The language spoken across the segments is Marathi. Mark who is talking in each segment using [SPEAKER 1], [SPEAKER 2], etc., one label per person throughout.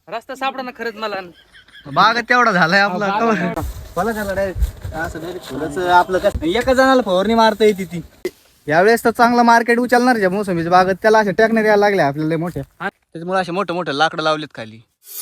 [SPEAKER 1] रस्ता सापडा ना खरंच मला.
[SPEAKER 2] बाग तेवढा झालाय आपला फळ झालं डायरेक्ट असं डायरेक्ट फुलाचं आपलं काय एका जणाला फवारणी मारता येते ती. यावेळेस तर चांगलं मार्केट उचलणार ज्या मोसंबीच्या बागत त्याला अशा टेकण्यात यायला लागल्या आपल्याला मोठ्या, त्याच्यामुळे असे मोठे मोठे लाकडं लावलेत खाली.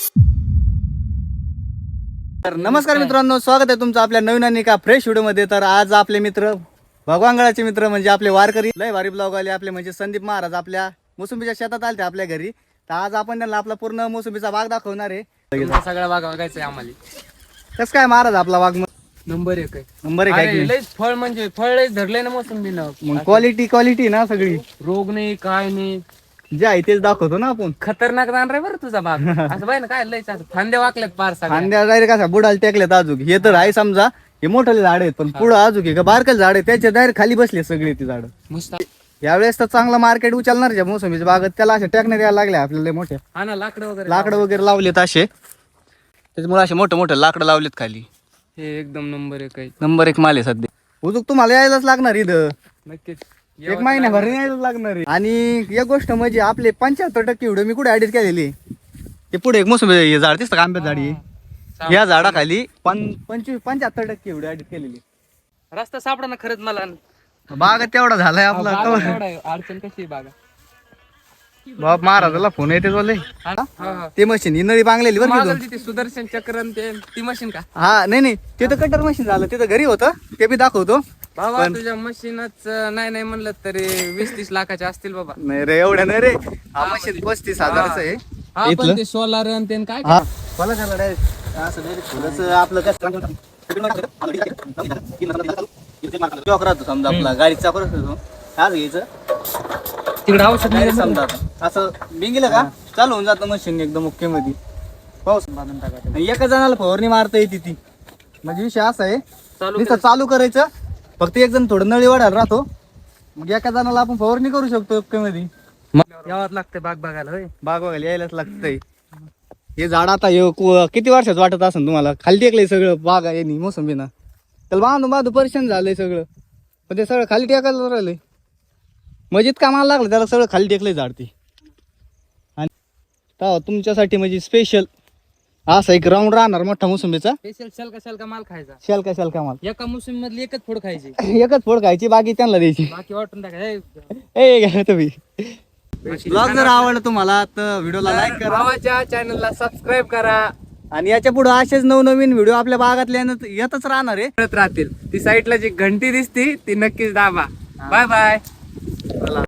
[SPEAKER 2] तर नमस्कार मित्रांनो, स्वागत आहे तुमचं आपल्या नवीन आणि एका फ्रेश व्हिडिओ मध्ये. तर आज आपले मित्र भगवानगडाचे मित्र म्हणजे आपले वारकरी लय भारी ब्लॉग आले आपले, म्हणजे संदीप महाराज आपल्या मोसंबीच्या शेतात आले आपल्या घरी. तर आज आपण त्यांना आपला पूर्ण मोसंबीचा बाग दाखवणार आहे.
[SPEAKER 1] सगळा बाग बघायचंय आम्हाला.
[SPEAKER 2] कसं काय महाराज आपला बाग
[SPEAKER 1] नंबर एक आहे.
[SPEAKER 2] नंबर एक आहे की?
[SPEAKER 1] लयच फळ म्हणजे फळ लयच धरलंय ना मोसंबीनं.
[SPEAKER 2] मग क्वालिटी ना सगळी,
[SPEAKER 1] रोग नाही काय नाही,
[SPEAKER 2] जे आहे तेच दाखवतो ना आपण.
[SPEAKER 1] खतरनाक जाणार आहे बरं तुझा बाग. असं बाय ना काय लयच असं फांद्या वाकल्यात पार सगळ्या.
[SPEAKER 2] कांद्या डायरेक्ट असा बुडाला टेकलेत अजून. हे तर आहे समजा हे मोठे झाड आहेत, पण पुढं अजून हे बारकल झाड आहे त्याच्या डायरेक्ट खाली बसले सगळे ती झाड.
[SPEAKER 1] मस्त.
[SPEAKER 2] यावेळेस तर चांगलं मार्केट उचलणार ज्या मोसंबीच्या बागत त्याला अशा टेकण्यात यायला लागल्या आपल्याला मोठ्या.
[SPEAKER 1] हा ना, लाकडं
[SPEAKER 2] वगैरे लावलेत असे, त्याच्यामुळे असे मोठे मोठे लाकडं लावलेत खाली.
[SPEAKER 1] हे एकदम नंबर एक आहे.
[SPEAKER 2] नंबर एक माल आहे सध्या. उजूक तुम्हाला यायलाच लागणार इथं,
[SPEAKER 1] नक्कीच
[SPEAKER 2] एक महिन्याभर यायलाच लागणार आहे. आणि एक गोष्ट म्हणजे आपले 75% व्हिडिओ मी कुठे एडिट केलेली, ते पुढे एक मोसंबी झाड दिसतं का, आंब्यात झाडी, या झाडाखाली 75% व्हिडिओ एडिट केलेली.
[SPEAKER 1] रस्ता सापडा ना खरंच मला.
[SPEAKER 2] बाग तेवढा झालाय आपला.
[SPEAKER 1] अडचण कशी आहे बागा.
[SPEAKER 2] बाप महाराजाला फोन येते बोलले ते मशीन नळी बांगलेली बरं का
[SPEAKER 1] तिथे सुदर्शन चक्रन ती मशीन का?
[SPEAKER 2] हा नाही ते तर कटर मशीन झालं, ते तर घरी होतं, ते बी दाखवतो.
[SPEAKER 1] बाबा तुझ्या मशीनच नाही म्हणलं तरी 20-30 लाखाचे असतील बाबा.
[SPEAKER 2] नाही रे, एवढ्या नाही रे. हा मशीन 35,000च आहे.
[SPEAKER 1] हा पण ते सोलार आणि ते काय
[SPEAKER 2] हा मला झालं डायरेक्ट असं डायरेक्ट फुलाचं आपलं काय चॉक राहतो समजा आपला गाडीचा परत होतो आज घ्यायचं
[SPEAKER 1] तिकडे औषध
[SPEAKER 2] नाही समजा आता असं बिंगीलं का चालू होऊन जातं मशीन एकदम ओके मध्ये. पाऊस एका जणाला फवारणी मारता येते ती, म्हणजे विषय असा आहे नुसतं चालू करायचं, फक्त एक जण थोडं नळी वाढायला राहतो, मग एका जणाला आपण फवारणी करू शकतो ओके मध्ये.
[SPEAKER 1] यावं लागतंय बाग बघायला.
[SPEAKER 2] बाग बघायला यायलाच लागतंय. हे झाड आता किती वर्षात वाटत असेल तुम्हाला, खाली टेकलंय सगळं बाग आहे मोसंबीना. त्याला बांधून परेशान झालंय सगळं, पण ते सगळं खाली टेकायला राहिलंय. मजेत कामाला लागलं त्याला, सगळं खाली टेकलंय झाड ते. आणि तुमच्यासाठी म्हणजे स्पेशल असा एक राऊंड राहणार मोठा मोसंबीचा.
[SPEAKER 1] स्पेशल शलका माल खायचा.
[SPEAKER 2] शलका माल
[SPEAKER 1] एका मोसंबी मधली एकच फोड खायची.
[SPEAKER 2] एकच फोड खायची, बाकी त्यांना द्यायची.
[SPEAKER 1] बाकी वाटून टाकायचं.
[SPEAKER 2] ए घ्या तुम्ही. ब्लॉग जर आवडला तुम्हाला तर व्हिडिओला लाईक करा,
[SPEAKER 1] भावाच्या चॅनलला सबस्क्राईब करा,
[SPEAKER 2] आणि याच्या पुढे असेच नवनवीन व्हिडिओ आपल्या बागातल्या येतच राहणार आहे.
[SPEAKER 1] राहतील. ती साईडला जी घंटी दिसती ती नक्कीच दाबा. Bye bye.